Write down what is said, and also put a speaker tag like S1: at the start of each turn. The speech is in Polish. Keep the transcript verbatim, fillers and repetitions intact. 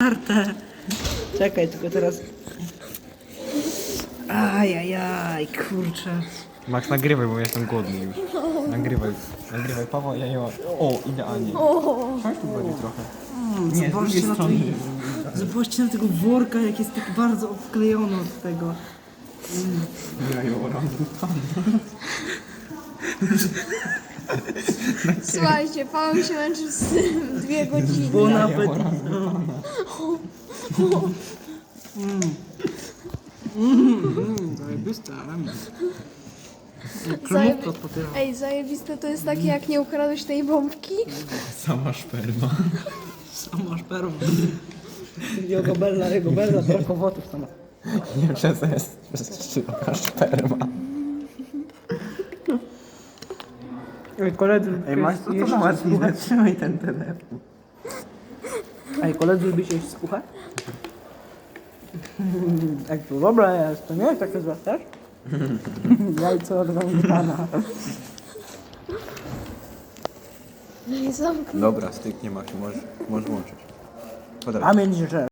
S1: otwarte. Czekaj, tylko teraz... Ajajaj, kurczę.
S2: Max, nagrywaj, bo jestem głodny już. Nagrywaj, nagrywaj, Paweł, ja nie mam. O, idealnie. Chodź tu bardziej trochę. Nie, z drugiej
S1: Zobaczcie na,
S2: strony.
S1: tej, zobaczcie na tego worka, jak jest tak bardzo obklejony od tego.
S2: Ja ją
S3: Słuchajcie, Paweł się męczy z tym dwie godziny.
S1: Bo nawet... Zajebiste, ale... Kremówka od papieru.
S3: Ej, zajebiste to jest takie, jak nie ukradłeś tej bombki.
S2: Sama szperma.
S1: Sama szperma. Jego bella, jego bella, tylko wotów sama.
S2: Nie przez jest, przez szczypka szperma.
S1: Ej, koledzy...
S2: Ej, Max, to co załatwić? Zatrzymaj ten telefon.
S1: Ej, koledzy, lubicie jeść skuchę? Jak to dobre jest, to nie jest takie złe też? Jajco od węglana.
S3: Nie zamknę.
S2: Dobra, styknie Max, możesz, możesz włączyć. Podaj.
S1: Pamięć, że